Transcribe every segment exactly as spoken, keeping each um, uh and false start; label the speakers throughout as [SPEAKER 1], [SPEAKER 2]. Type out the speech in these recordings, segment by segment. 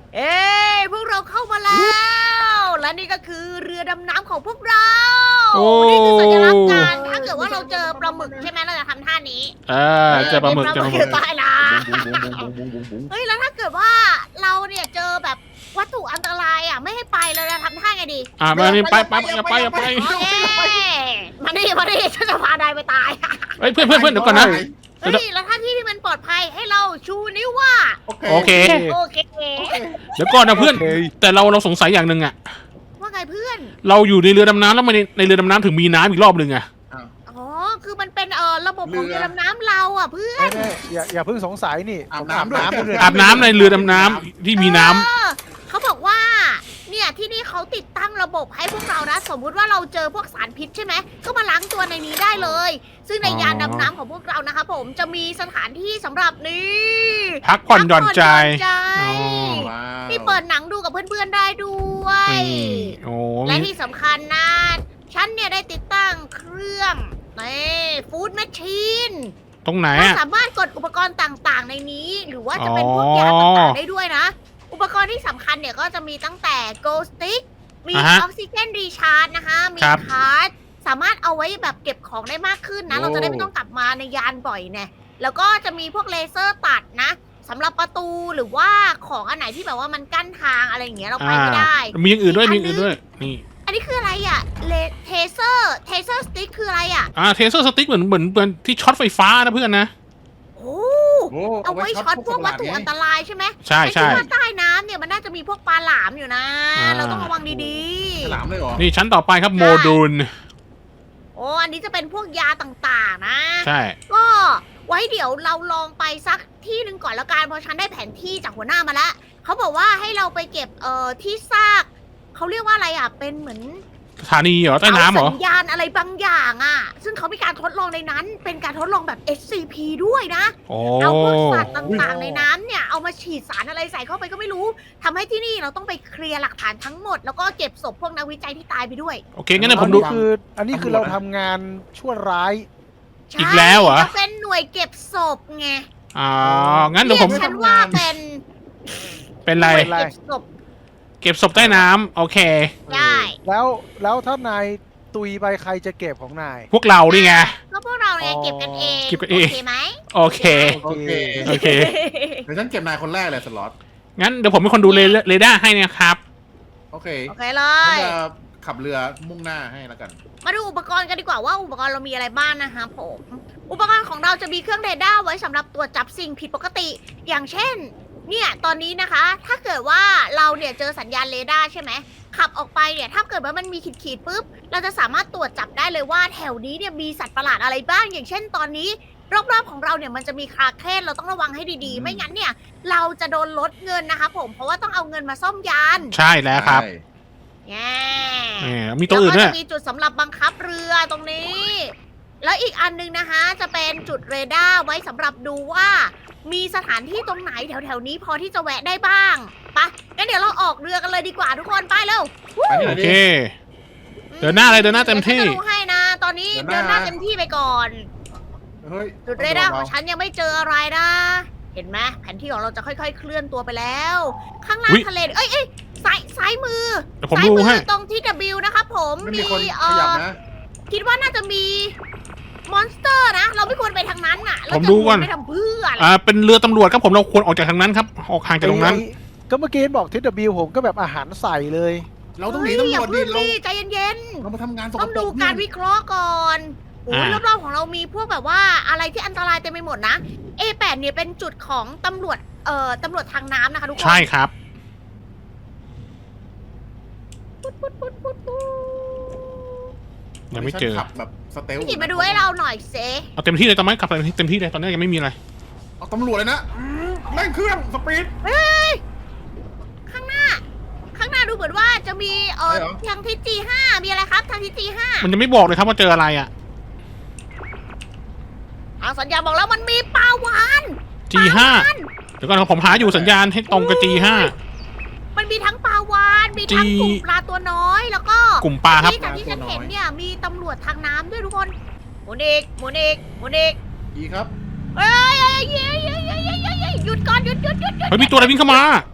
[SPEAKER 1] เอ้ยพวกเราเข้ามาแล้วและนี่ก็คือเรือดำน้ำของพวกเรา
[SPEAKER 2] โอ้
[SPEAKER 1] นี่คือสัญลักษณ์การถ้าเกิดว่าเราเจอปลาหมึกใช่ไหมเราจะทำท่านี้
[SPEAKER 2] เออเจอปลาหมึกเจอปลาหมึ
[SPEAKER 1] อยู่
[SPEAKER 2] ก
[SPEAKER 1] ใต้น้ำเฮ้ยแล้วถ้าเกิดว่าเราเนี่ยเจอแบบวัตถุอันตรายอ่ะไม่ให้ไปเราจะทำท่าไงดี
[SPEAKER 2] อ่ามานี่ไปไปอย่าไปอย่าไป
[SPEAKER 1] โอเคมาดิมาดิฉันจะพานายไปตาย
[SPEAKER 2] เฮ้ยเพื่อนเพื่อนเพื่อนเดี๋ยวก่อนนะ
[SPEAKER 1] เฮ้ยแล้วถ้าที่ที่มันปลอดภัยให้เราชูนิ้วว่า
[SPEAKER 2] โอเค
[SPEAKER 1] โอเค
[SPEAKER 2] เดี๋ยวก่อนนะเพื่อน แต่เราเราสงสัยอย่างหนึ่งอะ
[SPEAKER 1] ว่าไงเพื่อน
[SPEAKER 2] เราอยู่ในเรือดำน้ำแล้วทำไมในในเรือดำน้ำถึงมีน้ำอีกรอบหนึ่งอะ
[SPEAKER 1] อ๋อ คือมันเป็นเอ่อระบบของ
[SPEAKER 3] เรือ
[SPEAKER 1] เรือดำน้ำเราอ่ะเพื่อน
[SPEAKER 4] แน่ๆอย่าอย่าเพิ่งสงสัยนี่
[SPEAKER 3] อาบ
[SPEAKER 4] ผม
[SPEAKER 3] น้ำด้วย
[SPEAKER 4] ด้วย
[SPEAKER 2] อาบน้ำในเรือดำน้ำที่มีน้ำ
[SPEAKER 1] เออเขาบอกว่า เนี่ยที่นี่เขาติดตั้งระบบให้พวกเรานะ สมมุติว่าเราเจอพวกสารพิษใช่ไหม ก็มาล้างตัวในนี้ได้เลย ซึ่งในยานดำน้ำของพวกเรานะคะผมจะมีสถานที่สำหรับนี้
[SPEAKER 2] พักผ่อนหย่อนใจ
[SPEAKER 1] พักผ่อนหย่อนใจ
[SPEAKER 2] อ๋อ
[SPEAKER 3] ว้าว
[SPEAKER 1] นี่เปิดหนังดูกับเพื่อนๆได้ด้วย
[SPEAKER 2] นี่โอ้
[SPEAKER 1] และ
[SPEAKER 2] มี
[SPEAKER 1] ที่สำคัญนะ ฉันเนี่ยได้ติดตั้งเครื่องนี่ฟู้ดแมชชีน
[SPEAKER 2] ตรงไหน
[SPEAKER 1] เรา
[SPEAKER 2] อะ
[SPEAKER 1] สามารถกดอุปกรณ์ต่างๆ ในนี้ หรือว่าจะเป็น
[SPEAKER 2] อ๋อ
[SPEAKER 1] พวกยาต่างๆได้ด้วยนะ อุปกรณ์ที่สำคัญเนี่ยก็จะมีตั้งแต่ Go Stick มีอ
[SPEAKER 2] อ่าฮะ
[SPEAKER 1] อกซิเจนรีชาร์จนะคะ มี
[SPEAKER 2] ครับ
[SPEAKER 1] คาร์ดสามารถเอาไว้แบบเก็บของได้มากขึ้นนะ เราจะได้ไม่ต้องกลับมาในยานบ่อยแน่แล้วก็จะมีพวกเลเซอร์ตัดนะสำหรับประตูหรือว่าของอันไหนที่แบบว่ามันกั้นทางอะไรอย่างเงี้ยเราไปไม่ได้
[SPEAKER 2] มีอย่างอื่นด้วย
[SPEAKER 1] อี
[SPEAKER 2] มี
[SPEAKER 1] ก
[SPEAKER 2] อ
[SPEAKER 1] อัน
[SPEAKER 2] ย่างอื่นด้วยนี่
[SPEAKER 1] อันนี้คืออะไรอ่ะเลเทเซอร์เทเซอร์สติ๊กคืออะไรอ่ะ
[SPEAKER 2] อ่าเทเซอร์สติ๊กเหมือนเหมือนเหมือนที่ช็อตไฟฟ้านะเพื่อนนะ
[SPEAKER 1] โอ้
[SPEAKER 3] โอ้
[SPEAKER 1] เอาไว้ช็อตพวกวัตถุอันตรายใช่ไหม
[SPEAKER 2] ใช่
[SPEAKER 1] ไอ้
[SPEAKER 2] ใช่
[SPEAKER 1] ที่ว่าใต้น้ำเนี่ยมันน่าจะมีพวกปลาหลามอยู่นะ
[SPEAKER 2] อ่า
[SPEAKER 1] เราต้องระวังดี
[SPEAKER 3] ฉลามเลยเหรอ
[SPEAKER 2] นี่ชั้นต่อไปครับโมดูล
[SPEAKER 1] ๆ โอ้อันนี้จะเป็นพวกยาต่างๆนะ
[SPEAKER 2] ใช่
[SPEAKER 1] ก็ไว้เดี๋ยวเราลองไปสักที่หนึ่งก่อนแล้วกันเพราะฉันได้แผนที่จากหัวหน้ามาแล้วเขาบอกว่าให้เราไปเก็บเอ่อที่ซากเขาเรียกว่าอะไรอ่ะเป็นเหมือน
[SPEAKER 2] สถานีเหรอใต้น้ำเหรอ
[SPEAKER 1] สัญญาณอะไรบางอย่างอ่ะ ซึ่งเขามีการทดลองในนั้น เป็นการทดลองแบบ เอส ซี พี ด้วยนะ
[SPEAKER 2] โอ้
[SPEAKER 1] เอาพวกสัตว์ต่างๆในน้ำเนี่ยเอามาฉีดสารอะไรใส่เข้าไปก็ไม่รู้ทำให้ที่นี่เราต้องไปเคลียร์หลักฐานทั้งหมด แล้วก็เก็บศพพวกนักวิจัยที่ตายไปด้วย
[SPEAKER 2] โอเคงั้นเดี๋ยว
[SPEAKER 4] อั
[SPEAKER 2] ผ
[SPEAKER 4] น
[SPEAKER 2] มดู
[SPEAKER 4] นี้คืออันนี้คือเราทำงานชั่วร้าย
[SPEAKER 2] อีกแล้วเหรอ
[SPEAKER 1] ใช่จะเป็นหน่วยเก็บศพไง
[SPEAKER 2] อ๋องั้นเดี๋ยวผม
[SPEAKER 1] รีกฉันว่าเป็น
[SPEAKER 2] เป็นไร
[SPEAKER 1] หน่วยเก็บศพ
[SPEAKER 2] เก็บศพใต้น้ำโอเค
[SPEAKER 1] ได้
[SPEAKER 4] แล้วแล้วถ้านายตุยไปใครจะเก็บของนาย
[SPEAKER 2] พวกเรานี่ไง
[SPEAKER 1] ก็พวกเราเนี่ยเก็บกันเอง
[SPEAKER 2] เก็บกันเอง
[SPEAKER 1] โอเคไหม
[SPEAKER 2] โอเค
[SPEAKER 3] โอเค
[SPEAKER 2] โอเค
[SPEAKER 3] เดี๋ยวฉันเก็บนายคนแรกเลยสล็อต
[SPEAKER 2] งั้นเดี๋ยวผมเป็นคนดูเรเรดาร์ให้นะครับ
[SPEAKER 3] โอเค
[SPEAKER 1] โอเคเล
[SPEAKER 3] ฉัน
[SPEAKER 1] ย
[SPEAKER 3] จะขับเรือมุ่งหน้าให้แล้วกัน
[SPEAKER 1] มาดูอุปกรณ์กันดีกว่าว่าอุปกรณ์เรามีอะไรบ้างนะคะผม อุปกรณ์ของเราจะมีเครื่องเรดาร์ไว้สำหรับตรวจจับสิ่งผิดปกติ อย่างเช่น เนี่ยตอนนี้นะคะ ถ้าเกิดว่าเราเนี่ยเจอสัญญาณเรดาร์ใช่ไหมขับออกไปเนี่ยถ้าเกิดว่ามันมีขีดๆปุ๊บเราจะสามารถตรวจจับได้เลยว่าแถวนี้เนี่ยมีสัตว์ประหลาดอะไรบ้าง อย่างเช่น ตอนนี้รอบๆของเราเนี่ยมันจะมีคราเคนเราต้องระวังให้ดีๆ ไม่งั้นเนี่ยเราจะโดนลดเงินนะคะผมเพราะว่าต้องเอาเงินมาซ่อมยาน
[SPEAKER 2] ใช่แล้วครับ
[SPEAKER 3] ใช่
[SPEAKER 1] แง่
[SPEAKER 2] แหมมีตัวอื่น
[SPEAKER 1] แล้ว
[SPEAKER 2] ด้
[SPEAKER 1] ก็
[SPEAKER 2] วย
[SPEAKER 1] จะมีจุดสำหรับบังคับเรือตรงนี้ แล้วอีกอันนึงนะคะ จะเป็นจุดเรดาร์ไว้สำหรับดูว่า มีสถานที่ตรงไหนแถวๆนี้พอที่จะแวะได้บ้างไปะงั้นเดี๋ยวเราออกเรือกันเลยดีกว่าทุกคนไปเร็ว
[SPEAKER 3] ไปที่ไหน
[SPEAKER 2] โอ
[SPEAKER 3] ดี
[SPEAKER 2] เค เดินหน้าเลยเดินหน้าเต็มที่
[SPEAKER 1] ดี๋ยวฉันจะดูให้นะ ตอนนี้
[SPEAKER 3] เดิ
[SPEAKER 1] เดิน
[SPEAKER 3] น
[SPEAKER 1] ห
[SPEAKER 3] ห
[SPEAKER 1] น้า
[SPEAKER 3] น้า
[SPEAKER 1] เต็มที่ไปก่อน
[SPEAKER 3] เฮ้ย
[SPEAKER 1] จุดเรดาร์ของฉันยังไม่เจออะไรนะ เห็นไหมแผนที่ของเราจะค่อยๆ เคลื่อนตัวไปแล้ว ข้างล่า
[SPEAKER 2] อุ๊
[SPEAKER 1] ง
[SPEAKER 2] ย
[SPEAKER 1] ทะเลเอ้ยเอ้ยซ้ายซ้ายมือ
[SPEAKER 2] เดี๋ยวผม
[SPEAKER 1] ซ้าย
[SPEAKER 2] ดู
[SPEAKER 1] มื
[SPEAKER 2] ให้
[SPEAKER 1] ตรงที่ W นะครับผม
[SPEAKER 3] ไม่มีคน
[SPEAKER 1] เอ่
[SPEAKER 3] ขยับ
[SPEAKER 1] อ
[SPEAKER 3] นะ
[SPEAKER 1] คิดว่าน่าจะมีมอนสเตอร์นะ เราไม่ควรไปทางนั้นน่ะเรา
[SPEAKER 2] ผม
[SPEAKER 1] จะ
[SPEAKER 2] ดูก่อน
[SPEAKER 1] ไปทำเพื่ออะไร
[SPEAKER 2] อ่าเป็นเรือตำรวจครับผมเราควรออกจากทางนั้นครับออกห่างจากตรงนั้น
[SPEAKER 4] ไอ้ก็เมื่อกี้บอกทิศบิวผมก็แบบอาหารใส่เลย
[SPEAKER 3] เราต้องหนี
[SPEAKER 1] เฮ้ย
[SPEAKER 3] ตำรวจ
[SPEAKER 1] อย่า
[SPEAKER 3] ดิ
[SPEAKER 1] เพิ่ง
[SPEAKER 3] เรา
[SPEAKER 1] ดิใจเย็น
[SPEAKER 3] เรามาทำงานส
[SPEAKER 1] ๆ
[SPEAKER 3] ก
[SPEAKER 1] ต้อง
[SPEAKER 3] ปร
[SPEAKER 1] ดู
[SPEAKER 3] ก
[SPEAKER 1] การ
[SPEAKER 3] เนี่ย
[SPEAKER 1] วิเคราะห์ก่อนโอ้ย
[SPEAKER 2] อ่า
[SPEAKER 1] รอบๆของเรามีพวกแบบว่าอะไรที่อันตรายเต็มไปหมดนะ เอ แปด เนี่ยเป็นจุดของตำรวจเอ่อตำรวจทางน้ำนะคะทุกคน
[SPEAKER 2] ใช่ครับ
[SPEAKER 1] ปุ๊ดปุ๊ดปุ๊ดปุ๊ดปุ๊ด
[SPEAKER 2] ยังไม่เจอ
[SPEAKER 3] ฉันขับแบบสเตล
[SPEAKER 1] พี่กิจมาดูให้เราหน่อยเซ
[SPEAKER 2] เอาเต็มที่เลยตอนนี้ขับเต็มที่เต็มที่เลยตอนนี้ยังไม่มีอะไร
[SPEAKER 3] เอาตำรวจเลยนะอืมเร่งเครื่องสปีด
[SPEAKER 1] เฮ้ยข้างหน้า ข้างหน้าดูเหมือนว่าจะมีเออ
[SPEAKER 3] ใช่เหรอ
[SPEAKER 1] ทางทิศ จี ห้า มีอะไรครับทางทิศ จี ห้า
[SPEAKER 2] มันยังไม่บอกเลยครับว่าเจออะไรอ่ะ
[SPEAKER 1] ทางสัญญาณบอกแล้วมันมีปลาวาน
[SPEAKER 2] จี ห้า เดี๋ยวก่อนครับผมหาอยู่สัญญาณให้ตรงกับ จี ห้า
[SPEAKER 1] มันมีทั้งปลาวานมีทั้ง
[SPEAKER 2] G
[SPEAKER 1] กลุ่มปลาตัวน้อยแล้วก็
[SPEAKER 2] กลุ่มปลาครับ
[SPEAKER 1] ที่จากที่ฉันเห็นเนี่ยมีตำรวจทางน้ำด้วยทุกคนหมุนอีกหมุนอีกหมุนอีก
[SPEAKER 3] ดีครับ
[SPEAKER 1] เอ้ยเอ้ยเอ้ยเอ้ยเอ้ยเอ้ยเอ้ยเอ้ยหยุดก่อนหยุดหยุดหยุดหยุด
[SPEAKER 2] เฮ้ยมีตัวอะไรวิ่งเข้ามา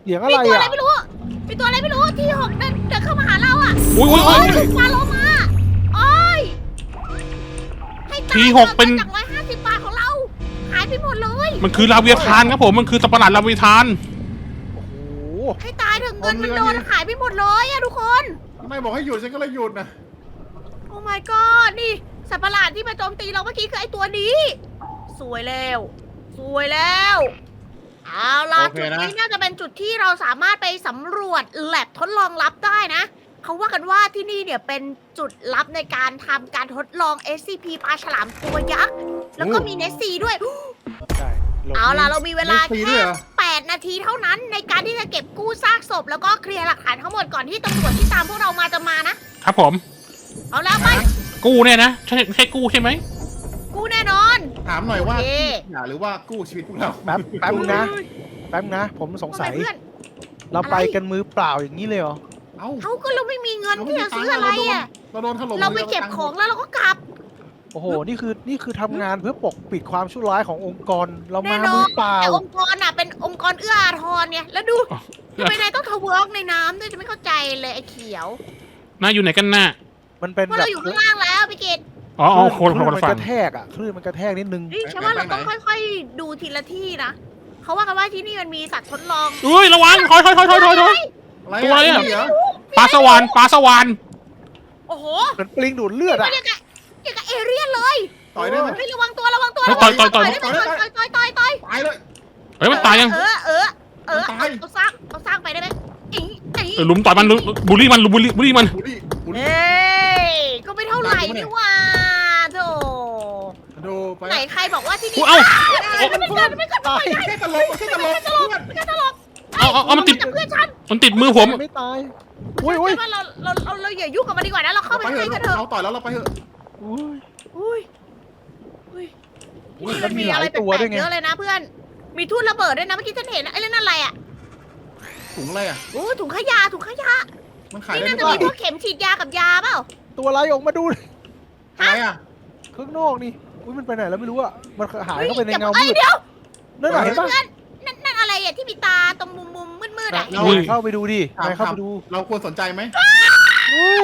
[SPEAKER 4] สียงอะ
[SPEAKER 1] มี
[SPEAKER 4] ไร
[SPEAKER 1] ตัวอะไร
[SPEAKER 4] อ่ะ
[SPEAKER 1] ไม่รู้ มีตัวอะไรไม่รู้ที่หกเดินเดินเข้ามาหาเราอ่ะ
[SPEAKER 2] อุ้ยอุ้ย
[SPEAKER 1] โอ้
[SPEAKER 2] อุ้ย
[SPEAKER 1] ยฟาโลมาโอ้ยให้ตาย
[SPEAKER 2] ทีหกเป็น
[SPEAKER 1] จากร้อยห้าสิบบาทของเรา หายไปหมดเลย
[SPEAKER 2] มันคือลาเวียทานครับผมมันคือสัตว์ประหลาดลาเวียทาน
[SPEAKER 4] โอ้โห
[SPEAKER 1] ให้ตายถึงเงินมันโดนหายไปหมดเลยอะทุกคน
[SPEAKER 3] ทำไมบอกให้หยุดฉันก็เลยหยุดนะ
[SPEAKER 1] โอ้ my god นี่สัตว์ประหลาดที่มาโจมตีเราเมื่อกี้คือไอตัวนี้ สวยแล้ว สวยแล้ว เอาล่ะ
[SPEAKER 3] โอเค
[SPEAKER 1] จุด
[SPEAKER 3] นะ
[SPEAKER 1] นี้น่าจะเป็นจุดที่เราสามารถไปสำรวจแลบทดลองลับได้นะ เขาว่ากันว่าที่นี่เนี่ยเป็นจุดลับในการทำการทดลอง เอส ซี พี ปลาฉลามตัวยักษ์ แล้วก็มีเนสซีด้วย
[SPEAKER 4] ใช่หลบ
[SPEAKER 1] เอาล่ะ เรามีเวลา
[SPEAKER 3] ไม่ฟรีด้
[SPEAKER 1] แค่
[SPEAKER 3] วยเหรอ
[SPEAKER 1] แปดนาทีเท่านั้นในการที่จะเก็บกู้ซากศพ แล้วก็เคลียร์หลักฐานทั้งหมดก่อนที่ตำรวจที่ตามพวกเรามาจะมานะ
[SPEAKER 2] ครับผม
[SPEAKER 1] เอาแล้วไป
[SPEAKER 2] กู้เนี่ยนะใช่ใช่กู้ใช่ไหม
[SPEAKER 1] กู้แน่นอน
[SPEAKER 3] ถามหน่อยว่า
[SPEAKER 1] โอเค
[SPEAKER 3] อย่าหรือว่ากู้ชีวิตพวกเรา
[SPEAKER 4] แป๊บแป๊บนึงนะ แป๊บนะ ผมสงสัย
[SPEAKER 1] ว่าไเพื่อน
[SPEAKER 4] เราไปกันมือเปล่าอย่างนี้เลยเหรอ
[SPEAKER 3] เอ้า
[SPEAKER 1] เขาก็เราไม่มีเงิน
[SPEAKER 3] เราไม่
[SPEAKER 1] ที่
[SPEAKER 3] มี
[SPEAKER 1] จะซื้อ
[SPEAKER 3] ตังค์
[SPEAKER 1] อะไร
[SPEAKER 3] เราโดน
[SPEAKER 1] อ่ะ
[SPEAKER 3] เราโดนถล่ม
[SPEAKER 1] เราไปเก็บของแล้วเราก็กลับ
[SPEAKER 4] โอ้โห นี่คือ นี่คือทำงานเพื่อปกปิดความชั่วร้ายขององค์กร เรา
[SPEAKER 1] แน่
[SPEAKER 4] มาน
[SPEAKER 1] อ
[SPEAKER 4] มือน เปล่า
[SPEAKER 1] แต่องค์กรอ่ะเป็นองค์กรเอื้ออาทรเนี่ย แล้วดูทำไมนายต้องทะเวิร์กในน้ำด้วยจะไม่เข้าใจเลยไอ้เขียว
[SPEAKER 2] น่าอยู่ไหนกันน่ะ
[SPEAKER 4] มันเป็น
[SPEAKER 1] เพราะ
[SPEAKER 4] แบบ
[SPEAKER 1] เราอยู่ข้างล่างแล้วพี่กิต
[SPEAKER 2] อ๋ออ๋อคน
[SPEAKER 4] คลื่
[SPEAKER 2] คน
[SPEAKER 4] น
[SPEAKER 2] ละ
[SPEAKER 4] มัน
[SPEAKER 2] ฝั่
[SPEAKER 4] ก
[SPEAKER 2] ง
[SPEAKER 4] ระแทกอ่ะคลื่นมันกระแทกนิดนึง
[SPEAKER 1] นี่ฉันว่าเราต้องค่อยๆ ดูทีละที่นะเขาว่ากันว่าที่นี่มันมีสัตว์ทดลอง
[SPEAKER 2] เอ้ยระวังถอยถอยถอยถอยถอยถอย
[SPEAKER 3] อะไร
[SPEAKER 2] ตัวอะไรอะ
[SPEAKER 3] เหรอ
[SPEAKER 2] ปลาสวานปลาสวาน
[SPEAKER 1] โอ้โห
[SPEAKER 4] เหมือนปลิงดูดเลือด
[SPEAKER 1] มั
[SPEAKER 4] อ่ะ
[SPEAKER 1] นอย่างกับอย่างกับเอเลี่ยนเลย
[SPEAKER 3] ต่อยได้ไหม
[SPEAKER 1] เฮ้ยระวังตัวระวังตัว
[SPEAKER 2] เฮ้ย
[SPEAKER 1] ระวัง
[SPEAKER 2] ต่อยต่อย
[SPEAKER 1] ได้ไหมต่อยต่อยต่อยต่อยต่อย
[SPEAKER 3] ตายเลย
[SPEAKER 2] เฮ้ยมันตายยัง
[SPEAKER 1] เออเออเออ
[SPEAKER 3] มันตาย
[SPEAKER 1] เอาสร้างเอาสร้างไปได้ไหมอิงอิง
[SPEAKER 2] เออลุมต่อยมันลุมบูลลี่มันลุมบูลลี่บูลลี่มัน
[SPEAKER 3] บุรีบุรี
[SPEAKER 1] เอ้ยก็ไม่เท่าไหร่นี่หว่าโธ่
[SPEAKER 3] ดูไป
[SPEAKER 1] ไหนใครบอกว่าที่นี่
[SPEAKER 2] อุ๊ยเอ้า
[SPEAKER 1] เอ้ยไม่เกินไม่เกิน
[SPEAKER 4] ตาย
[SPEAKER 3] แค่ตลกแค่ตลกเพื่อน
[SPEAKER 1] ไม่เกินตลก
[SPEAKER 2] เอาเอาเอามันติด
[SPEAKER 1] จากเพื่อนฉัน
[SPEAKER 2] มันติดมือผม
[SPEAKER 4] ไม่ตาย อุ้ยอุ้ย
[SPEAKER 1] ฉันว่าเราเราเราเราอย่ายุ่งกับมันดีกว่านะเราเข้าไป
[SPEAKER 3] ไป
[SPEAKER 1] ข้าง
[SPEAKER 3] เถ
[SPEAKER 1] ใน
[SPEAKER 3] อะ
[SPEAKER 1] กันเถอะ
[SPEAKER 3] เราต่อยแล้วเราไปเถอะ
[SPEAKER 4] อุ้ย
[SPEAKER 1] อุ้ยอุ้ย
[SPEAKER 4] อุ้ย
[SPEAKER 1] มั
[SPEAKER 4] แล้ว
[SPEAKER 1] น
[SPEAKER 4] มี
[SPEAKER 1] มี
[SPEAKER 4] ห
[SPEAKER 1] อะ
[SPEAKER 4] ลา
[SPEAKER 1] ไร
[SPEAKER 4] ย
[SPEAKER 1] แป
[SPEAKER 4] ตัว
[SPEAKER 1] ล
[SPEAKER 4] ด้ว
[SPEAKER 1] ก
[SPEAKER 4] ย
[SPEAKER 1] ๆ
[SPEAKER 4] ไง
[SPEAKER 1] เยอะเลยนะเพื่อน มีทุ่นระเบิดด้วยนะเมื่อกี้ฉันเห็นไอ้เรื่องนั่นอะไรอ่ะ
[SPEAKER 3] ถุงอะไรอ่ะ
[SPEAKER 1] โอ้ถุงขยะถุงขยะ
[SPEAKER 3] มันขาย
[SPEAKER 1] นี่
[SPEAKER 3] ได้
[SPEAKER 1] น่า
[SPEAKER 3] หรือเปล่า
[SPEAKER 1] จะมีพวกเข็มฉีดยากับยาเปล่า
[SPEAKER 4] ตัวอะไรออกมาดู
[SPEAKER 3] อะไรอ่ะ
[SPEAKER 4] ข้างนอกนี่ อุ้ยมันไปไหนแล้วไม่รู้อ่ะ มันหาย
[SPEAKER 1] ฮ้
[SPEAKER 4] เข้าไปในเงา
[SPEAKER 1] อ้
[SPEAKER 4] มื
[SPEAKER 1] ย
[SPEAKER 4] ด
[SPEAKER 1] เดี๋ยว
[SPEAKER 4] นั่นน่ะเห็นปะ
[SPEAKER 1] นั่นนั่นอะไรอ่ะที่มีตาตรงมุมมุมมืดมืดๆอ่ะ
[SPEAKER 3] เรา
[SPEAKER 2] อุ้ย
[SPEAKER 4] เข้าไปดูดิ
[SPEAKER 3] ถาม
[SPEAKER 4] นายเข้าไปดู
[SPEAKER 3] เราควรสนใจไหม
[SPEAKER 4] เฮ้ย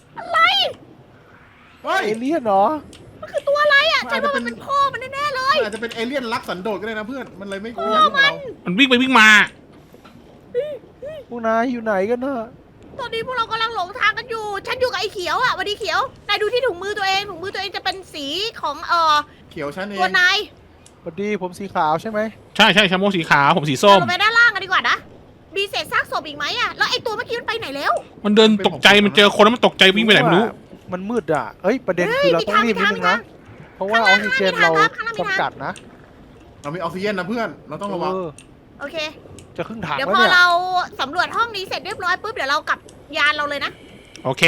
[SPEAKER 3] เฮ้ย
[SPEAKER 4] เอเลี่ยนเหรอ
[SPEAKER 1] มันคือตัวอะไรอ่ะ
[SPEAKER 3] มัน
[SPEAKER 1] ฉั
[SPEAKER 3] อาจ
[SPEAKER 1] น
[SPEAKER 3] จะ
[SPEAKER 1] ว่า
[SPEAKER 3] เป็
[SPEAKER 1] มัน
[SPEAKER 3] น
[SPEAKER 1] เป็นพ่อมันแน่ๆเลย
[SPEAKER 3] มันอาจจะเป็นเอเลี่ยนรักสันโดษก็ได้นะเพื่อน มันเลยไม่ไม่อยากยุ่งกับเรา
[SPEAKER 2] มันวิ่งไปวิ่งมา
[SPEAKER 4] พวกนายอยู่ไหนกันน่ะ
[SPEAKER 1] ตอนนี้พวกเรากำลังหลงทางกันอยู่ ฉันอยู่กับไอ้เขียวอ่ะวันดีเขียวนายดูที่ถุงมือตัวเองถุงมือตัวเองจะเป็นสีของเอ่อ
[SPEAKER 3] เขียวฉันเอ
[SPEAKER 1] ตั
[SPEAKER 3] ง
[SPEAKER 1] วนาย
[SPEAKER 4] สวัสดีผมสีขาวใช่ไหม
[SPEAKER 2] ใช่ใช่ชาโมสีขาวผมสีส้ม
[SPEAKER 1] เราลงไปด้านล่างกันดีกว่านะมีเศษซากศพอีกไหมอ่ะแล้วไอ้ตัวเมื่อกี้มันไปไหนแล้ว
[SPEAKER 2] มันเดินตกใจมันเจอคนแล้วมันตกใจวิ่งไปไหนไม่รู้
[SPEAKER 4] มันมืดอ่ะ เอ้ย ประเด็น
[SPEAKER 1] เฮ้ย
[SPEAKER 4] คือเรา
[SPEAKER 1] มี
[SPEAKER 4] ต้อง
[SPEAKER 1] ทาง
[SPEAKER 4] รีบนิด
[SPEAKER 1] มี
[SPEAKER 4] นึง
[SPEAKER 1] ทาง
[SPEAKER 4] นะ เพราะว่าอ
[SPEAKER 1] ข้า
[SPEAKER 4] อง ก
[SPEAKER 1] ล่าง
[SPEAKER 4] ซิเจน
[SPEAKER 1] มีทาง
[SPEAKER 4] เรา
[SPEAKER 1] ครับข้างล่างมีทาง
[SPEAKER 4] จำกัดนะ
[SPEAKER 3] เรามีออกซิเจนนะเพื่อน เราต้องระวัง
[SPEAKER 4] เออ
[SPEAKER 1] โอเค
[SPEAKER 4] จะครึ่งถัง
[SPEAKER 1] เดี๋ยว
[SPEAKER 4] แล้ว
[SPEAKER 1] พอ
[SPEAKER 4] เนี่ย
[SPEAKER 1] เราสำรวจห้องนี้เสร็จเรียบร้อยปุ๊บเดี๋ยวเรากลับยานเราเลยนะ
[SPEAKER 2] โอเค